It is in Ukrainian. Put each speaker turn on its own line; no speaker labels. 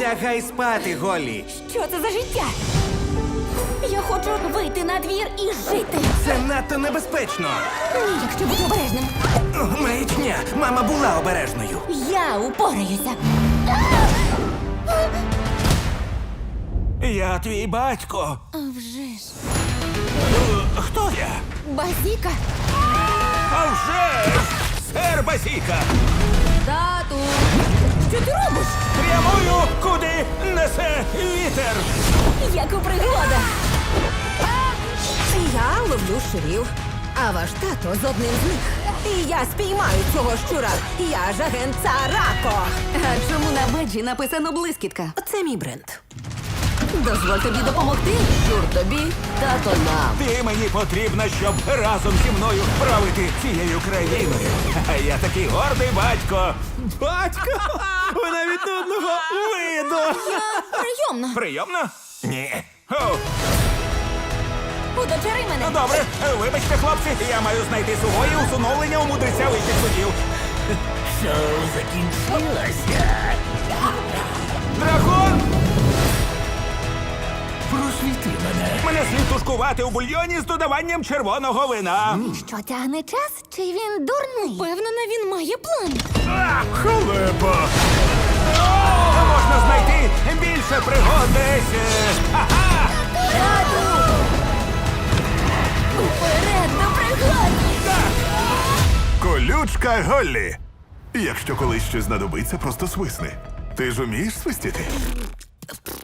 Лягай спати, Голлі.
Що це за життя? Я хочу вийти на двір і жити.
Це надто небезпечно.
Ні, якщо бути обережним.
Маячня. Мама була обережною.
Я упораюся.
Я твій батько.
А вже ж.
Хто я?
Базіка.
А вже ж! Сер Базіка!
Тату. Що ти робиш?
Прямую, куди несе вітер!
Як у пригодах.
Я ловлю щурів, а ваш тато з одним з них. І я спіймаю цього щура. Я ж агент Царако.
А чому на беджі написано блискітка?
Це мій бренд.
Дозволь тобі допомогти. Щур тобі, тато нам.
Ти мені потрібна, щоб разом зі мною правити цією країною. А я такий гордий батько. Батько? Ви навіть одного виду.
Прийомно.
Прийомно? Ні. О,
Удочери мене.
добре, вибачте, хлопці, я маю знайти сухої усиновлення у мудреця вищих судів.
Шоу закінчилося.
Дракон!
Просвіти мене.
Мене слід тушкувати у бульйоні з додаванням червоного вина.
Що тягне час? Чи він дурний? Певнена, він має план.
Халепа! Можна знайти більше пригод десь. Ага!
Тату! Уперед до пригод!
Колючка Голлі. Якщо колись щось знадобиться, просто свисни. Ти ж умієш свистіти?